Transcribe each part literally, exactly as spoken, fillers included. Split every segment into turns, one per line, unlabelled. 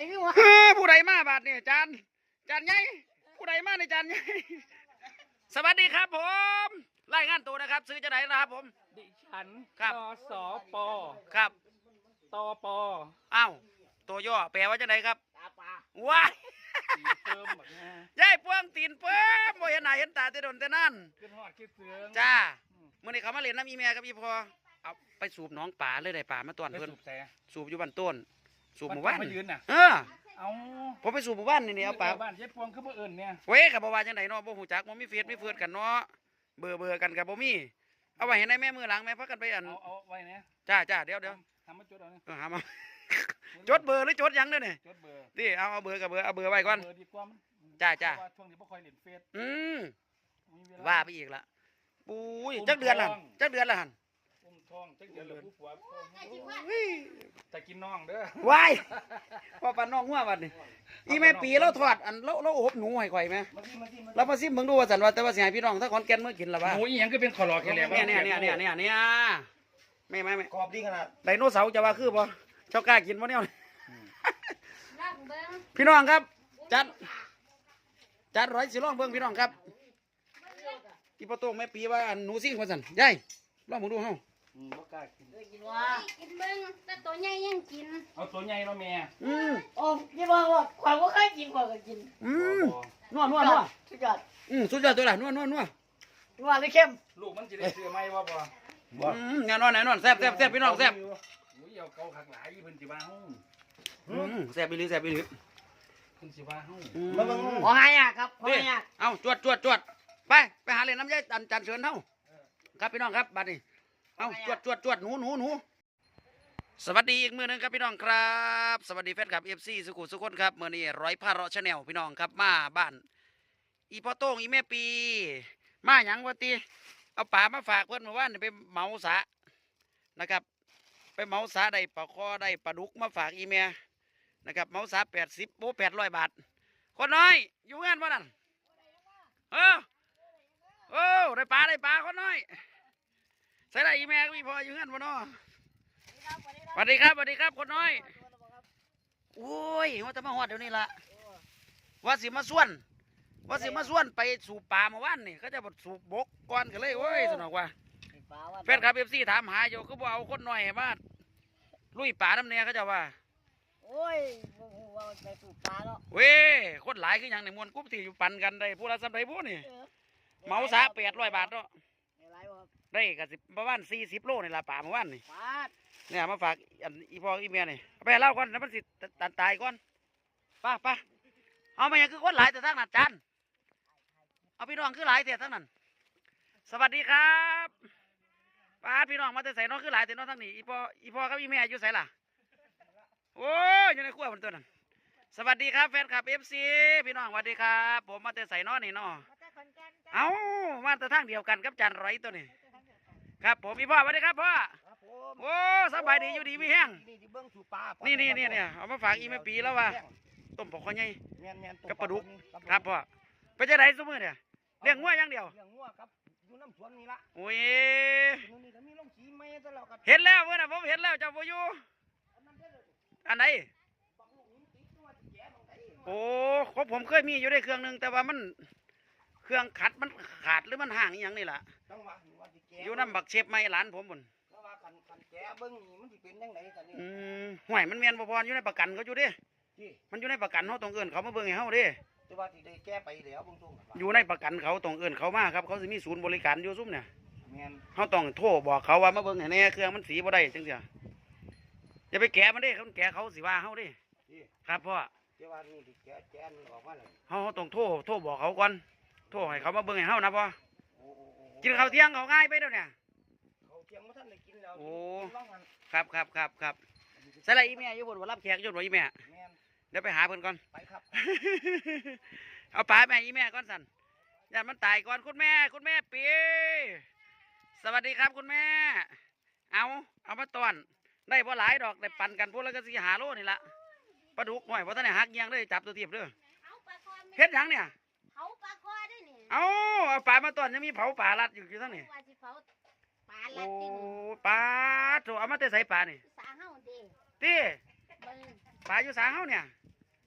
อ้คือว่า
คือผู้ใดมาบาดนี่จานจานใหญ่ผู้ใดมาในจานใหญ่สวัสดีครับผมรายงานตัวนะครับซื้อจะไหนนะครับผม
ดิฉัน
ครับ
นสป
ครับ
ตป
อ้าวตัวย่อแปลว่าจะไหนครับ
ตาปลา
ว้าย
ตีเติมแบบนี้
ยายพวงตีนเปิ้มบ่เห็นหน้าเห็นตาแต่โดนแต่นั่น
ขึ้นหอดคิดเสือง
จ้ามื่อนี้เขามาเล่นน้ำอีเมียกับอีพอเอาไปสูบหน้องป่าเลยได้ป่ามาตอน
ไป
เพิ่น
สูบแส
สูบอยู่บ้านต้นสูบหมู่
บ้า
บ้าน น
มายืนน่ะ
เออ
เอา
ผมไปสูบหมู่บ้านนี่นี่เอาป่า
บ้านเย็ดพวงคือบ่เอิญเนี่ย
เว้ยกับบ่ว่าจังไดเนาะบ่ฮู้จักบ่มีเฟซมีเฟือนกันเนาะเบื่อเบื่อกันกับบ่มีเอาไว้ให้ในแม่มือหลังแม่พักกันไปอัน
เอาเอาไว้เนี่ย
จ้าจ้าเดี๋ยวเดี๋ยว
ทำมาจดเอาเนี่ย
เออหามา จดเบอร์หรือจดหยังเด้อนี่
จดเบอร์
นี่เอาเอาเบอร์กับเบอร์เอาเบอร์ไว้ก่อน
เบอร์ดีกว่ามัน
จ้าจ้า
เพระว่ช่วงนี้บ่ค่อยเล่นเฟซ
อืม
มีเล
ว่าไปอีกละปุ้ยจักเดือนละจักเดือนละหั่น
อุ้มท้องจักเดือนเหลือผู้ผัว
เฮ้ย
จะกินน้องเด้อ
วายว่าปานน้องหัวบัดนี่อีแม่ปีเราทอดอันเราเราอบหนูให้ข่อยแม่
มาสิมาสิมา
เรามาซิมเบิ่งดูว่าสันว่าแต่ว่าสิให้พี่น้องถ้าขอนแก่นเมื่อกินล่ะว่า
หมูอีหยังก็เป็นขอรอแค่แหลม
เนี่ยเนี่ยเนี่ยเนี่ยเนี่ยเนี่ยแม่แม่แม่
กรอบดีขนาด
ไดโนเสาร์จะว่าคือบ่เจ้ากล้ากินบ่เนี่ย
ลองเบิ้ง
พี่น้องครับจัดจัดร้อยสิลองเบิ่งพี่น้องครับอีปะโต้งแม่ปีว่าอันหนูซิ่งว่าซั่นยายลองเบิ่งดูเฮา
อืมบ่กล้ากิน
ได้กินว่า
กินเบิ้งแต่ตัวใหญ่ยังกิน
เอาตัวใหญ่เนาะแม่
อืม
โอ้ยี่ว่าว่าความว่าเคยกินกว่าก็กิน
อืม
บ่
นัวนัวนัว
สุดยอด
อืมสุดยอดตัวละนัวนัวนัว
นัวหรือเข้ม
ลูกมันจะได้เสื้อไหมวะบ่
อืมแน่นอนแน่นอนแซ่บแซ่บแซ่บพี่น้องแซ่บ
อุ้ยเอาเกาขักหลายเพิ่นสิว่าเฮา
อืมแซ่บอีหลีแซ่บอีหลี
เพิ่นสิว่าเฮา
อืม
ขอให้อ่ะครับขอ
นี่
ให้อ่ะ
เอาจวดจวดจวดไปไปหาเล่นน้ำยายจันจันเชิญเฮาครับพี่น้องครับบัดนี้เอาจวดจวดจวดหนูหนูหนูสวัสดีอีกมือหนึงครับพี่น้องครับ สวัสดีแฟนคลับเอฟซีสุขุมสุขคนครับมื่อนี้ร้อยพาเราะชาแนลพี่น้องครับมาบ้านอีพ่อโต้งอีแม่ปี มาหยังวะตีเอาป่ามาฝากเพื่อนเมื่อวานนี่ไปเหมาสานะครับ ไปเหมาสาได้ปลาคอได้ปลาดุกมาฝากอีเมียนะครับเหมาสาแปดสิบโบแปดร้อยบาทคนน้อยอยู่เงินวะนั่นเออโอ้ได้ปลาได้ปลาคนน้อยใส่ได้อีเมียก็มีพออยู่เงินวะเนาะสวัสดีครับสวัสดีครับคนน้อยโอ้ยว่าจะมาหอดเดี๋ยวนี้ละว่าสิมาส่วน ว่าสิมาส่วนไปสูบปลาเมื่อวานนี่เขาจะบดสูบบกก่อนกันเลยโอ้ยสนุกว่าแฟนคลับเอฟซีถามหาอยู่ก็บอกเอาคนหน่อยมาลุยป่าน้ำเนี่ยเขาจะว่า
โอ้ยว่าไปสูบปลาแล้ว
เว้ยคนหลายคืออย่างในมวลกรุ๊ปที่อยู่ปั่นกันได้ผู้ละสำไรผู้นี่เหมาซะแปดร้อยบาทเนาะ
อะไรวะ
ได้ก็สิประมาณสี่สิบโลนี่ละป่าเมื่อวานนี่
ปลา
เนี่ยมาฝากอันอีพ่ออีเมียนี่เอาไปให้เล่าก่อนแล้วมันสิตันตายก่อนไป้าป้าเอามาอย่างคือคนหลายแต่ทั้งนั้นจันเอาพี่น้องคือหลายแต่ทั้งนั้นสวัสดีครับป้าพี่น้องมาแต่ใส่น้องคือหลายแต่น้องทั้งนี้อีพ่ออีพ่อกับอีเมียอยู่ใส่ล่ะโอ้ยอยู่ในขั้วบนตัวนั้นสวัสดีครับแฟนคลับเอฟซีพี่น้องสวัสดีครับผมมาแต่ใส่น้องนี่น้อเอามาแต่ทางเดียวกันกับจันร้อยตัวนี้ครับผมพี่พ่อสวัสดีครับพ่อ
ครับผม
โอ้สบายดีอยู่ดีมีแห้ง
นี่ที่เบิ้งสูบปลา
นี่นี่นี่เนี่ยเอามาฝากอีแม่ปีแล้วว่าต้มปอกข้อใหญ่
แม่นแม่น
กับปลาดุกครับพ่อไปจะไหนสมือเนี่ยเลี้ยงงัวอย่างเดียว
เลี้ยงงัวครับอยู่น้ำสวนนี่ละ
โอ้ย
นู่นนี่ก็มีลงสีไม้ตลอดกัน
เห็นแล้วเพื่อนน่ะผมเห็นแล้วเจ้าพ่อยู่อันไหนโอ้ของผมเคยมีอยู่ได้เครื่องหนึงแต่ว่ามันเครื่องขัดมันขาดหรือมันห่างอหย่างนี่แหละ
จังหวะนี่ว่าสิแกะ
อยู่น้ำบักเชฟไม่หลานผมบุญ
เพราะว่าคันคันแกะเบิ้งนี่มันสิเป็นยังไงกันนี่
อืมห่วยมันเมียนบ่พออยู่ในประกันเขาอยู่เดิ
ที่
มันอยู่ในประกันเขาตรงเอินเขามาเบิ่งให้เขาเดิ
แต่ว่าที่ได้แก้ไปแล้วเบางช่วง
อยู่ในประกันเขาตรงเอินเขามาครับเขาจะมีศูนย์บริการอยู่ซุ้มเนี่ย
แม่น
เขาต้องโทรบอกเขาว่ามาเบิ่งให้แน่เครื่องมันสีบ่ได้จังเสียอย่าไปแกะมันเด้เขาแกะเขาสิว่าเขาเดิ
ที่
ครับพ่อ
แต่ว่านี่ที่แกะแกะมันออกมาแล้ว
เขาเขาต้องโทรโทรบอกเขาก่อนโทรให้เขามาเบิ่งให้เขานะพ่อ
โอ้โอ้โอ้
กินข้าวเที่ยงเขาง่ายไปเดี๋ยวเนี่ย
เขาเที่ยงมาท่านได้กินแล้ว
โอ้
กินว่างหัน
ครับครับครับครับใส่ละอีแม่อยู่บนว่ารับแขกอยู่บนอีแม่
แม่น
เดี๋ยวไปหาเพิ่นก่อน
ไปครับ
เอาปลาแม่อีแม่ก่อนสันอย่ามันตายก่อนคุณแม่คุณแม่ปีสวัสดีครับคุณแม่ เอาเอามาตอนได้บ่หลายดอกได้ปั่นกันพวกแล้วก็สิหาโลนี่ละปลาดุกหน่อยเพราะท่านไหนหักเงียงเลยจับตัวเทียบเด้อ
เอาปลาคอ
เฮ็ดหยังเนี่ย
เขาปลาคอได้นี่
เอาเอาปลามาตอนยังมีเผาปลาลัดอยู่อยู่ทั้งนี้
ว่าสิเผาปลาลั
โอ้
ดกิน
ปลาโถเอามาแต่ใส่ปลานี่
สาเฮาเด้
ตี
เบิ่ง
ปลาอยู่สาเฮาเนี่ย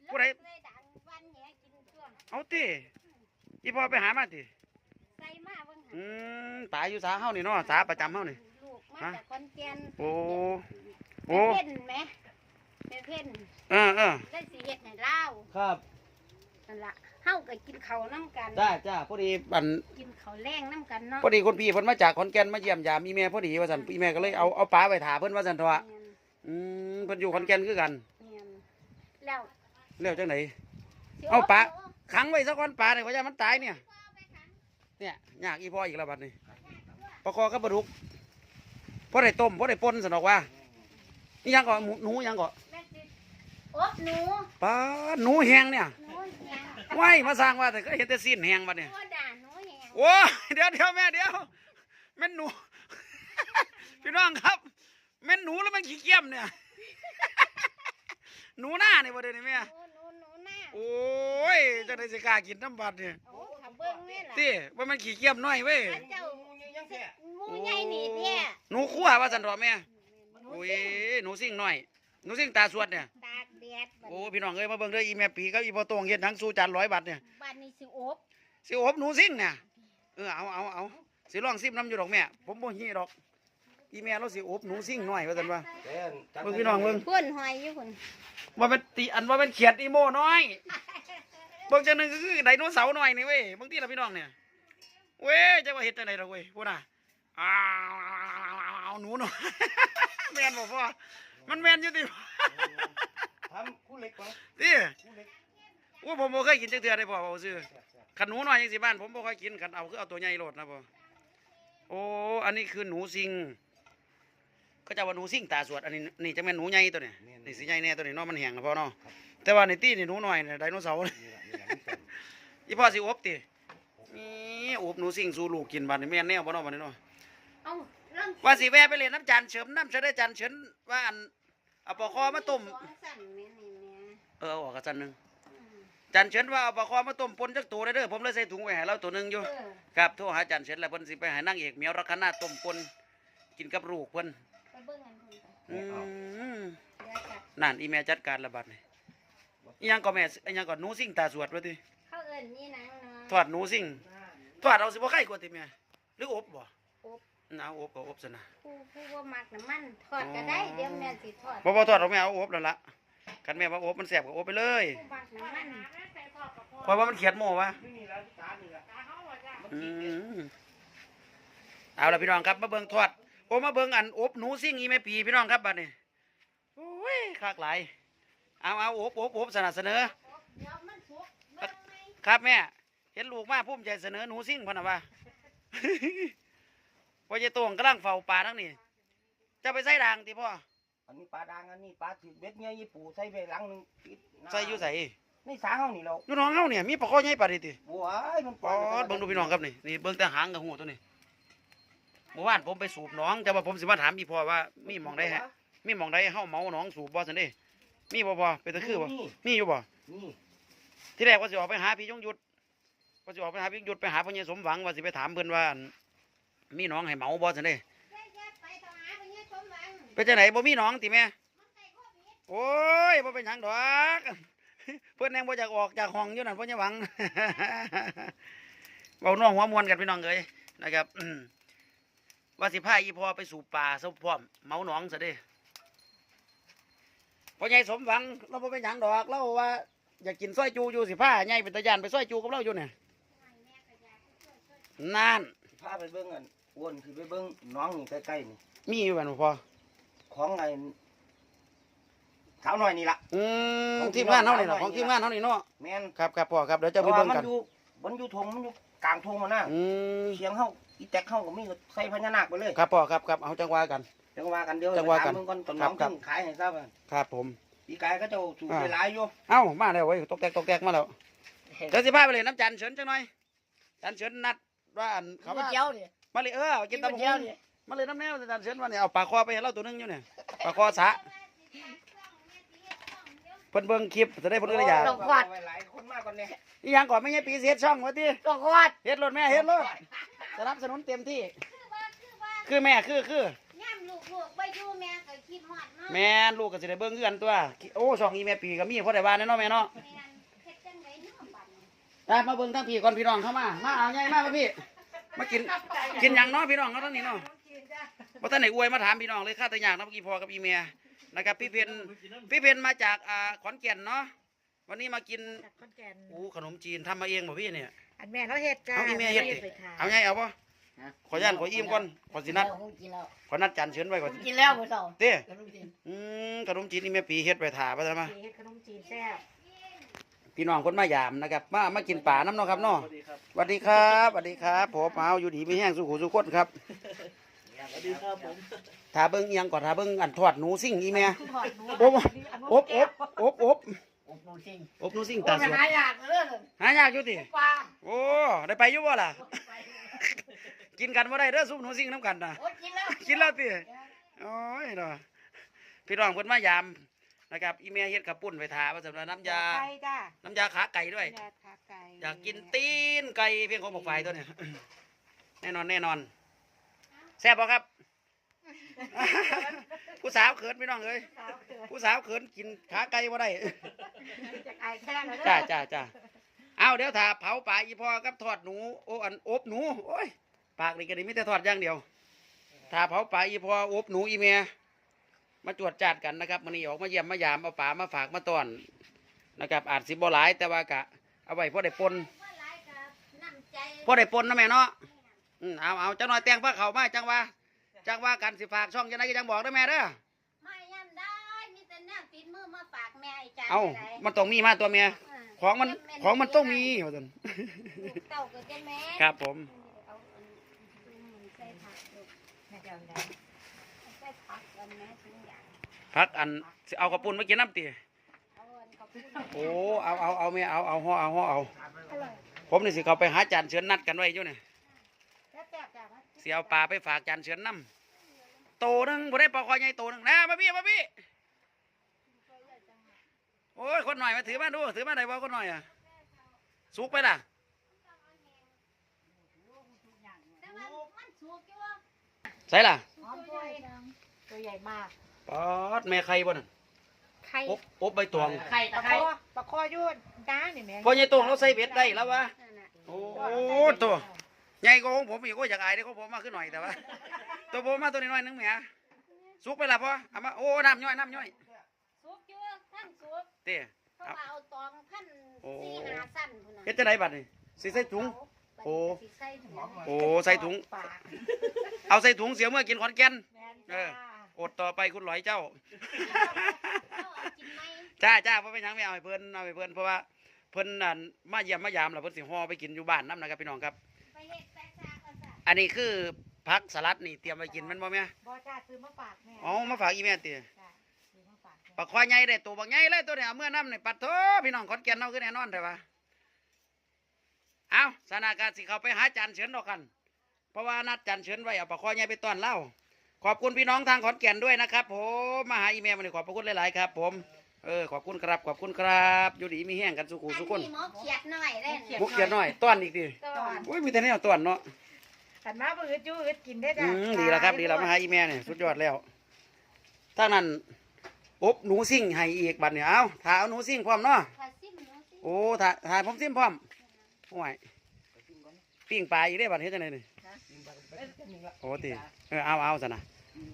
ผู้ใด
เลยดังวันแหกินตัว
เอาติอีพ่อไปหามาติ
ใส่มาเบิ่ง
อืมตายอยู่สาเฮานี่เนาะสาประจำเฮานี่
ลูกมาจากขอนแก่น
โอ้
โอ้
โอ้
เพ่นไหมแม่เพ่น
เออเออ
ได้สิเฮ็ดให้เล่า
ครับ
นั่นล่ะเฮาก็กินข้าวนํกัน
จ้าจ้าพอดีอัน
กินข้าวแรงนํกันเนาะ
พอดีคนพี่เพิ่นมาจากขอนแก่นมาเยี่ยมยามอีแม่พอดีว่าซั่นอีแม่ก็เลยเอาเอาปลาไปถาเพิ่นว่าซั่นเถอะอืมเพิ่นอยู่ขอนแก่นคือกัน
แม่นแล้ว
แล้วจังได
สิ
เอาปะ
โ
ขังไว้ซะก่อนปลาเนี่ยว่าอย่ามันตายเนี่ยเนี่ยยากอีพ่ออีกแล้วบัดนี้ปลาคอกับปลาดุกพอได้ต้มพอได้ป่นสนอกว่านี่ยังก่อหมูหนูยังก่อ
แม่สิอบหนู
ปลาหนูแห้งเนี่ย
หนูแหง
ไว้มาสร้างว่าแต่ก็เห็นแต่สิ้นแห้งบัดเนี่ย
โอ้ด่าหนูแหง
โอ้ยเดี๋ยวเดี๋ยวแม่เดี๋ยวแม่นหนู พี่น้องครับแม่นหนูแล้วมันขี้เกียจเนี่ย หนูหน้าเนี่ยบ่เดี๋ยวนี้แม่
หนูหนูหนูหน้า
โอ้ยจะได้สิกล้ากินน้ำบัดเนี่ย
โอ้ถ้าเบิ่งแม่ล่ะ
ติว่ามันขี้เกียจน้อยเว้ย
อันเจ้าหมูใหญ่นี่แท้
หนูคั่วว่าสันทอแม่โอ้ยหนูสิ่งน้อยหนูสิ่งตาสวดเนี่ย
ตากแดดบัด
โอ้พี่น้องเอ้ยมาเบิ่งเด้ออีแม่ปีกับอีพ่อโตงเฮ็ดทั้งสู้จานร้อยบาทเนี่ย
บัดนี้สิอบ
สิอบหนูสิ่งเนี่ยเออเอาเอาเอาสิลองซิมน้ำอยู่ดอกแม่ผมบ่ฮี้ดอกอีแม่เราสิอบหนูสิ่งน้อยว่าซั่นว่าเบิ่งพี่น้องเบิ่ง
เพิ่นหอยอยู่เพิ่น
ว่าเป็นตีอันว่าเป็นเขียดอีโมน้อยเบิ่งจังหนึงก็คือไดโนเสาร์น้อยนี่เว้ยบางทีล่ะพี่น้องเนี่ยเว้ยจังว่าเฮ็ดจังไดดอกเว้ยพูดน่ะอ้าวหนูน้อย แม่นบ่พ่อมันแม่นอยู่ติ
ทำคู่เล็กก่อน
ติ
คู่เล็ก
โอ้ผมบ่เคยกินจักเทื่อได้พ่อเว้าซื่อขันหนูน้อยจังสิบ้านผมบ่ค่อยกินขันเอาคือเอาตัวใหญ่โลดนะพ่อโอ้อันนี้คือหนูสิงเขาจะว่าหนูสิงตาสวดอันนี้นี่จะแม่นหนูใหญ่ตัวนี้นี่สิใหญ่แน่ตัวนี้เนาะมันแห้งนะพ่อเนาะแต่ว่าในตี้นี่หนูน้อยนี่ไดโนเสาร์
นี่แหละนี่แหละมันเป็น
อีพ่อสิอบตินี่อบหนูสิงสู่ลูกกินบัดนี้แม่นแนวบ่เนาะบัดนี้เนาะ
เอ้าลอง
ว่าสิแวะไปเล่นน้ำจันเฉิมน้ำเฉได้จันเฉินว่าอันเอาปลาคอมาต้ม
สองสั่นแม่นี่แม่
เออเอาออกกระจันหนึง
อืม
จันเฉินว่าเอาปลาคอมาต้มปนจักตัวได้เด้อผมเลยใส่ถุงไว้ให้เราตัวหนึงอยู่
เออ
ครับโทรหาจันเฉินแล้วเพิ่นสิไปหานางเอกเหมียวรักขนาต้มปนกินกับลูกเพิ่น
ไปเบิ่งอันเพิ่นไป
อืม
เดี๋ยวจัด
นั่นอีแม่จัดการระบาดนี่อีหยังก็แม่อีหยังก็หนูสิงตาสวดว่าติ
เขาเอิ้นนี่หนังเนาะ
ทอดหนูสิงทอดเอาสิบ่ไข่กว่าติแม่หรืออบบ่
อบ
เอาอบก็อบซะนะ
ผู้ผู้บ่มักน้ำมันทอดก็ได้เดี๋ยวแม่สิทอด
บ่บ่ทอดหรอกแม่เอาอบแล้วล่ะคันแม่ว่าอบมันแซ่บก็อบไปเลย
ผู้มักน้ำมัน
เพราะว่ามันเขียดโม่วะ
นี่นี่แล้วจานนี่แหละ
อืมเอาละพี่น้องครับมาเบิ่งทอดโอ้มาเบิ่งอันอบหนูซิ่งอีแม่ปีพี่น้องครับบัดนี้โอ้ยคากหลายเอาเอาอบอบอบสนับเสนอ
เดี๋ยวมันสุกเบิ่งไหม
ครับแม่เห็นลูกมาภูมิใจเสนอหนูซิ่งพะนะว่า พ่อเจตวงกำลังเฝ้าปลาทั้งนี้จะไปใส่ด่างติพ่อ
อันนี้ปลาดังอันนี้ปลาถือเบ็ดเงี้ยยี่ปูใส่ไปหลังหนึงปิดน้ำ
ใส่อยู่ใส่
ในสาเฮานี่เรา
อยู่น้องเฮาเนี่ยมีปลาข้อใหญ่ปลาดิติ
บัวไอ้มัน
ปอดเบิ่งดูพี่น้องครับนี่นี่เบิ่งแต่หางกับหูตัวนี้เมื่อวานผมไปสูบหน้องแต่ว่าผมสิมาถามอีพ่อว่ามีหมองได้ฮะมีหมองได้เฮาเมาหน้องสูบบ่ซั่นเด้มีบ่พ่อเป็นตะคือบ่
นี่
มีอยู่บ่
นี่
ที่แรกว่าสิออกไปหาพี่ยงยุทธว่าสิออกไปหาพี่ยงยุทธไปหาพ่อใหญ่สมหวังว่าสิไปถามเพิ่นว่าอั่นมีหน้องให้เมาบ่ซั่นเด้
แยกๆไปต่อหาไปเนี่ยชมหวัง
เป็นจังไดบ่มีหน้องติแม่
มันใส่โควิด
โอ้ยบ่เป็นหยังดอก เพิ่นแนงบ่อยากออกจากห้องอยู่นั่นพ่อใหญ่หวัง เว้าน้องหัวมวนกันพี่น้องเอ้ยนะครับอืมว่าสิพาอีพ่อไปสู่ป่าซะพร้อมเมาหนองซะเด้พ่อใหญ่สมหวังเราบ่เป็นหยังดอกเราว่าอยากกินซอยจูอยู่สิพาใหญ่เป็นตาย่านไปซอยจูกับเราอยู่เนี่ยนั่น
พาไปเบิ้งอันอ้วนคือไปเบิ้งน้องนี่ใกล้ๆนี่
มีอยู่กันบ่พ่อ
ของไอ้สาวน้อยนี่ละ
อืม
ของ
ทีมงานเฮานี่
ทีมงาน
ล่ะของทีมงานเฮานี่เนาะ
แม่น
ครับครับพ่อครับเดี๋ยวจะ
เพ
ไป
ราะว่า
เบิ่ง
มัน
กัน
อยู่มันอยู่ทงมันอยู่กลางทงมาหน้า
อืม
เสียงเฮาอีแตกเฮาก็มีใส่พญานาคไปเลย
ครับพ่อครับครับเอาจังหวะกัน
จังว่ากันเดียว
จังว่ากัน
ถมเบิ่งก่อนตอน
ครั
น้
บ
อง
ครับ
ถึงขายให้ทราบว่า
ครับผม
ปีกายก็เจ้าสูบไปหลายอยู่
เอ้ามาแล้วเว้ยตกแตกตกแตกมาแล้วเดี๋ยวสิพาไปเลยน้ำจันเฉินจังหน่อยจันเฉินนัดว่าอันเขา
เขา
ว่า
เจียวดิ
มาเลยเออกินตำบัก
เจียว
หุ่ง
ดิ
มาเลยน้ำแนวจันเฉินว่าเนี่ยเอาปลาคอไปให้เราตัวหนึงอยู่เนี่ยปลาคอสะเพิ่นเบิ่งคลิปจะได้เพิ่นก็ได้อยาก
ต้องควาดไว้หลายคนมากกว่านี้
อีหยังก่อนไม่ใช่ปีเสียช่องวะติ
ต้องควาด
เฮ็ดรถแม่เฮ็ดรถสนับสนุนเต็มที่
คือว่าคือว่า
คือแม่คือคือย่
ำลูกลูกไปอยู่แม่ก็คิดฮอดเนาะ
แม่นลูกก็สิได้เบิ่งคือกันตัวโอ้ช่องอีแม่ปีก็มีพอได้ว่าแน่เนาะแม่เนาะ
แม่นเฮ็ดจังไดเนาะบัดนี้
ได้มาเบิ่งทั้งพี่ก่อนพี่น้องเข้ามามาเอาใหญ่มามาพี่มากินกินหยังเนาะพี่น้องเนาะทั้งนี้เนาะบ่ทันได้อวยมาถามพี่น้องเลยข้าแต่ยากนะเมื่อกี้พ่อกับอีเมียนะครับพี่เพนพี่เพนมาจากอ่าขอนแก่นเนาะวันนี้มากิน
จากขอนแก่น
โอ้ขนมจีนทำมาเองบ่พี่เนี่ย
อันแม่เราเฮ็ดจ้า
เอาอีเมียเฮ็ดดิ
ไปทาน
เอาไงเอาป่ะขอย่านขออิ่มก่อนขอสินัด
กินแล้ว
ขอนัดจันเชิญไว้ก่อน
กินแล้วมื้อเช้า
เต้
ขนมจีน
อืมขนมจีนนี่แม่ปีเฮ็ดไปถ่าไปซะมา
เฮ็ดขนมจีนแซ่บ
พี่น้องคนมายามนะครับมามากินป่าน้ำเนาะครับเนาะสวัสดีครับสวัสดีครับผมเอาอยู่ดีไม่แห้งสุขุสุขคนครับ
สวัสดีครับผม
ถ้าเบิ่งเอียงก่อนถ้าเบิ่งอันทอดหนูซิ่งอีแม่
ทอดหนู
อบอบอบอบอบ
อบนูซิง
อบหนูซิ่ง
โอ้
ตาย สวด
หายากเด้อ
หายากอยู่ติ
ปลา
โอ้ได้ไปอยู่บ่ล่ะ กินกันบ่ได้เด้อซุปหนูซิ่งน้ำกันนะ
โอ้กินแล้ว
กินแล้วติโอ้ยเนาะพี่น้องเพิ่นมายามนะครับอีเมียเฮ็ดข้าวปุ้นไปทาว่าสำหรับน้ำยา
ไก่จ้า
น้ำยาขาไก่ด้วย
ยาขาไก่
อยากกินตีนไก่เพียงของบอกไฟตัวเนี่ย แน่นอนแน่นอนแซ่บป่ะครับ ผู้สาวเขินพี่น้องเอ้ย
สาวเกิด
ผู้สาวเขินกินขาไก่บ่ได้
จากไอแค่แล้ว
จ้าจ้าจ้าเอาเดี๋ยวถ้าเผาปลาอีพอกับทอดหนูโอ้อันอบหนูโอ้ยปากนี่ก็ดีไม่แต่ทอดอย่างเดียว ถ้าเผาปลาอีพออบหนูอีเมียมาจวดจัดกันนะครับมันนี้ออกมาเยี่ยมมายามเอาปลามาฝากมาต้อนนะครับอาจสิบ่หลายแต่ว่ากะเอาไว้พอได้ปน
ว่าหลายกับน้ำใจ
พอได้ปนนะแม่เนาะอืมเอาเอาจังหน่อยแต่งพระเขามาจังว่าจังว่ากันสิฝากช่องจังไดก็จังบอกได้อแม่เด้อ
ไม่ย่ำได้มีแต่แนวติดมือมาฝากแม่ไอ้จัน
เอา
ไปไหน
มันต้องมีมาตัวเมีย
เออ
ของมันของมันต้องมีว่าซั่น
ลูกเต้าก็จะแม่
ครับผม
เอาอันใส่ผักลูก
แม่จะเอาได้
ใส่ผักกันแม่ทุกอย่าง
พักอันสิเอากระปุนมากินน้ำตี
เอาอันขอบคุณ
โอ้เอาเอาเอาแม่เอาเอาห่อเอาห่อเอา
อร่อย
ผมนี่สิเขาไปหาจานเชิญนัดกันไว้อยู่เนี่ย
แซ่บแซ่บจ้า
สิเอาปลาไปฝากจานเชิญน้ำโตหนึงบ่ได้ปลาคอใหญ่โตหนึงนะมาพี่มาพี่โอ้ยคนหน่อยมาถือมาดูถือมาได้บ่คนหน่อยอ่ะสุกไปล่ะ
แต่ว่ามันสุกอยู่ว่า
ใส่ล่ะ
หอมตัวเอง
ตัวใหญ่มาก
ปอดแม่ไข่บ่นั่น
ไข่
อบอบใบตอง
ไข่
ป
ตะ
ลา
ไค
ค
ร้
อปลาคอยุ่นจ้านี่แม่
พอใหญ่ตองเราใส่เบ็ดได้แล้ววะ
นั่นน่ะ
โอ้ตัวใหญ่กว่าของผมอีกก็อยากอายได้ของผมมาขึ้นหน่อยแต่ว่า ตัวผมมาตัวน้อยๆนึงแหมสุกไปละพ่อเอามาโอ้น้ำย่อยน้ำย่อย
สุกอยู่ท่านสุก
เต้
เพราะว่าเอาตองพัน
โอ้
สี่หาสั้นพุ่นน่ะ
เฮ็ดจะไหนบัดนี่สิใส่ถุง โอ้
สิใส่ถุง
โอ้ใส่ถุง
ปาก
เอาใส่ถุงเสียเมื่อกินขอนแก่น
แม่น
เอ
จ้า
อ อดต่อไปคุณหลอยเจ้า
เอาเอากินไหม
จ้าจ้าเพราะเป็นหยังไม่เอาให้เพิ่นเอาให้เพิ่นเพราะว่าเพิ่นนั่นมาเยี่ยมมายามแล้วเพิ่นสิห่อไปกินอยู่บ้านน้ำนะครับพี่น้องครับ
ไปเฮ็ดแซ่บๆก็ซะ
อันนี้คือผักสลัดนี่เตรียมไว้กินแมันบ่แม่
บ่จ้าซื้อมาฝากแม่
อ๋อมาฝากอีแม่ติ
จ้าซื้อมาฝากแม่
ปลาควายใหญ่ได้ตัวบักใหญ่เลยตัวเนี่ยเอาเมื่อน้ำนี่ปัดโถพี่น้องขอนแก่นเอาคือแน่นอนแต่ว่าเอาสถานการณ์สิเขาไปหาจานเฉินดอกกัน เพราะว่านัดจานเฉินไว้เอาปลาควายใหญ่ไปต้อนเล่าขอบคุณพี่น้องทางขอนแก่นด้วยนะครับผมมาหาอีเมลมาเลยขอบพระคุณหลายๆครับ ผมเออขอบคุณครับขอบคุณครับอยู่ดีมีแห้งกันสุขุสุขคน
อัหมอเขียดหน่อยเด้อ
มุกเขียนหน่อยต้อนอีกดิ
ต้อน
อุ้ยมีแต่แนวต้อนเนาะ
ขันมาบ่อึดอยู่อึดกินได้
อื
จ้าม
ดีแล้วครับดีแล้วมาหาอีเมลเนี่ยสุดยอดแล้วถ้านั้นอบหนูซิ่งให้อีกบัดเนี่ยเอาถ้าเอาหนูซิ่งพร้อมเนาะ
ถ้าซิมเนาะสิ
โอ้ถ่ายถ่ายผมซิมพร้อมโอ้ยปิ้งปลาอีกได้บัดเฮ็ดจังไดนี่โอ้ติเออเอาเอาซะนะ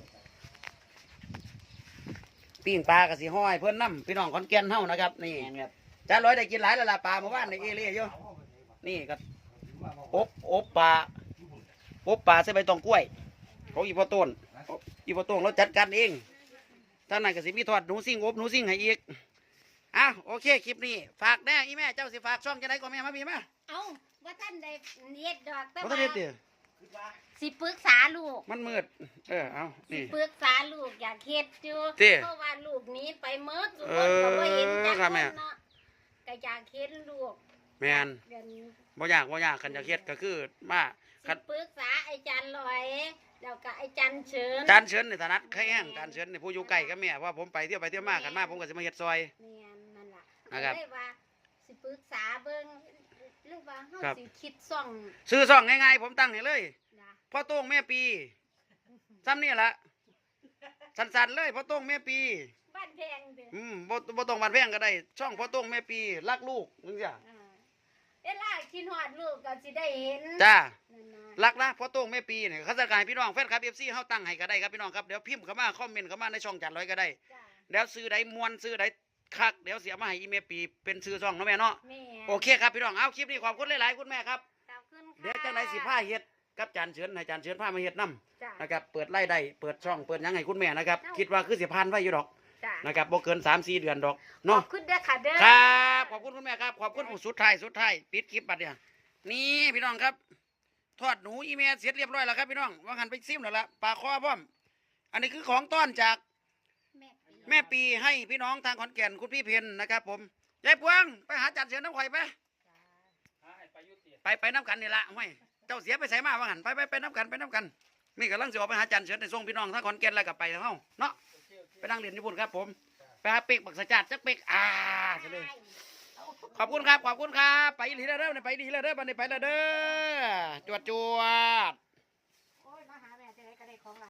ปิ้งปลากะสิห้อยเพิ่นน้ำพี่น้องขอนแก่นเฮานะครับนี่
แม่นครับ
จานร้อยได้กินหลายแล้วล่ะปลาเมื่อวานในเอเล่อยู่นี่ก็อบอบปลาอบปลาใส่ใบตองกล้วยของอีพ่อต้นอีพ่อต้นเราจัดการเองท่านนั้นก็สิมีทอดหนูซิ่งอบหนูซิ่งให้อีกอ้าวโอเคคลิปนี้ฝากแน่อีแม่เจ้าสิฝากช่องจะได้ก็แม่มาพี่มา
เอ้าว่าท่านได้เฮ็ดดอกแต่
บ่
ว่า
ทันเฮ็ดติ
สิปรึกษาลูก
มันมืด เออ เอา
สิ
นี่
ปรึกษาลูกอยากเฮ็ดอยู่
ติ
เพราะว่าลูกหนี้ไปเมิดทุก
เอ
คน
อ
ก็บ่เห็นจัก
ครั
ค
บแม่
นเนาะก็อยากเฮ็ดลูก
แมน
เดี๋ยวนี้
บ่ยากบ่ยากคันจะเฮ็ดก็คือมา
สิ
คัน
ปรึกษาไอ้จันลอยแล้วก็ไอ้จันเชิญ
จานเชิญในฐานะใครแห้งการเชิญในผู้อยู่ใกล้กับแม่ว่าผมไปเที่ยวไปเที่ยวมากันมาผมก็สิมาเฮ็ดซอย
แม่นนั่นล่ะ
นะครับ
เลยว่าสิปรึกษาเบิ่งหรือว่าเฮา
ครับ
สิคิดซ่อง
ซื้อซ่องง่ายๆผมตั้งให้เลย
นะ
พ่อโต้งแม่ปีซ้ำนี่ละสั้นๆเลยพ่อโต้งแม่ปี
บ้านแพงเด้อ
อืมบ่บ่ต้องบานแพงก็ได้ ช่องพ่อโต้งแม่ปีรักลูกจังซี่
อ่าเวลาคิดฮอดลูกก็สิได้เห็น
จ้า
นั่นน่ะ
รักนะพ่อโต้งแม่ปีเนี่ยเขาจะกายพี่น้องแฟนคลับ เอฟ ซี เฮาตั้งให้ก็ได้ครับพี่น้องครับเดี๋ยวพิมพ์เข้ามาคอมเมนต์เข้ามาในช่องจัดร้อยก็ได้
จ้า
เดี๋ยวซื้อใดมวนซื้อใดคักเดี๋ยวเสียมาให้อีเมปีเป็นซื้อช่องเนาะแม่เนาะ
แม่
โอเคครับพี่น้องเอาคลิปนี้ขอบคุณหลายๆคุณแม่ครับ
ขอบคุณค่ะ
เดี๋ยวจังไดสิพาเฮ็ดกับจานเชิญให้จานเชิญพามาเฮ็ดนํ
จ้า
นะครับเปิดไล่ได้เปิดช่องเปิดหยังให้คุณแม่นะครับคิดว่าคือสิผ่านไว้อยู่ดอก
จ้า
นะครับบ่เกิน สามสี่ เดือนดอก
ขอ
เนาะ
บคุณเด้อค่ะเด้อ
ครับขอบคุณคุณแม่ครับขอบคุณผู้สุดท้ายสุดท้ายปิดคลิปบัดเนี่ยนี่พี่น้องครับทอดหนูอีเมลเสร็จเรียบร้อยแล้วครับพี่น้องว่าหันไปซิมแล้วละปลาคอพร้อมอันนี้คือของต้อนจาก
แม่ปี
แม่ปีให้พี่น้องทางขอนแก่นคุณพี่เพนนะครับผมยายพวงไปหาจัดเสือน้ำข่อยไปไปไปน้ำกันนี่ละไม่เจ้าเสียไปใส่มาว่าหันไปไปไปน้ำกันไปน้ำกันนี่กำลังจะออกไปหาจันเสือในส่งพี่น้องทางขอนแก่นแล้วกับไปทางเฮาเนาะไปนั่งเรียนญี่ปุ่นครับผมไปหาเป็กบักสะจัดจักเป็กอ่าจะเลยขอบคุณครับขอบคุณครับไปอีหลีแล้วเด้อไปอีหลีแล้วเด้อบันนี้ไปแล้วเด้อจวดจวด